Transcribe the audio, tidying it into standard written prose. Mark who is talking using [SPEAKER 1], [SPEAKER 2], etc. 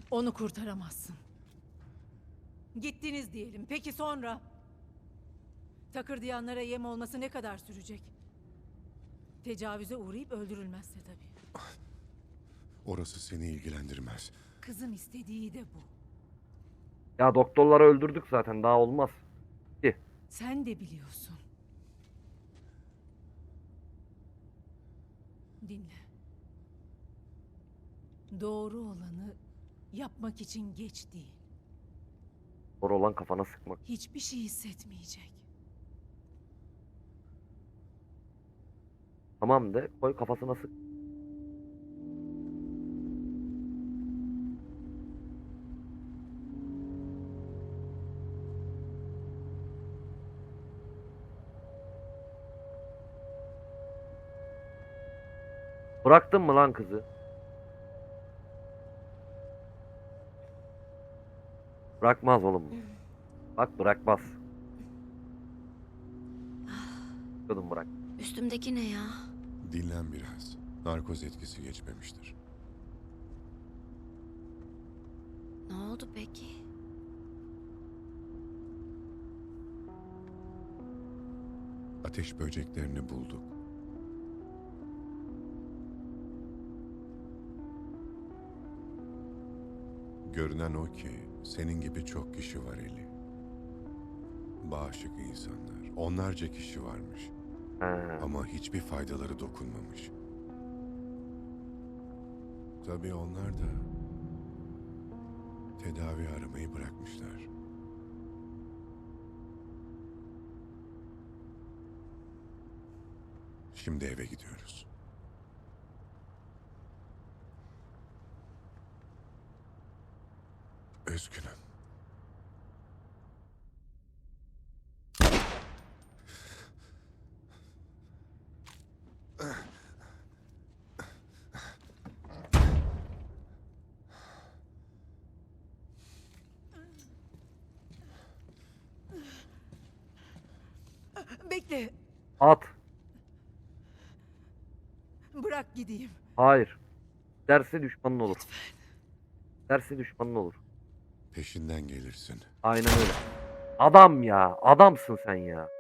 [SPEAKER 1] Onu kurtaramazsın. Gittiniz diyelim. Peki sonra? Takırdayanlara yem olması ne kadar sürecek? Tecavüze uğrayıp öldürülmezse tabii.
[SPEAKER 2] Orası seni ilgilendirmez.
[SPEAKER 1] Kızın istediği de bu.
[SPEAKER 3] Ya doktorları öldürdük zaten, daha olmaz. Ki.
[SPEAKER 1] Sen de biliyorsun. Dinle. Doğru olanı yapmak için geç değil.
[SPEAKER 3] Doğru olan kafana sıkmak.
[SPEAKER 1] Hiçbir şey hissetmeyecek.
[SPEAKER 3] Tamam de, koy kafasına sık. Bıraktın mı lan kızı? Bırakmaz oğlum. Bak bırakmaz. Kadın bırak.
[SPEAKER 4] Üstümdeki ne ya?
[SPEAKER 2] Dinlen biraz. Narkoz etkisi geçmemiştir.
[SPEAKER 4] Ne oldu peki?
[SPEAKER 2] Ateş böceklerini bulduk. Görünen o ki senin gibi çok kişi var Eli. Bağışık insanlar. Onlarca kişi varmış.
[SPEAKER 3] He.
[SPEAKER 2] Ama hiçbir faydaları dokunmamış. Tabii onlar da tedavi aramayı bırakmışlar. Şimdi eve gidiyoruz. Üzgünüm.
[SPEAKER 1] Bekle.
[SPEAKER 3] At.
[SPEAKER 1] Bırak gideyim.
[SPEAKER 3] Hayır. Derse düşmanın olur. Derse düşmanın olur.
[SPEAKER 2] Peşinden gelirsin.
[SPEAKER 3] Aynen öyle. Adam ya. Adamsın sen ya.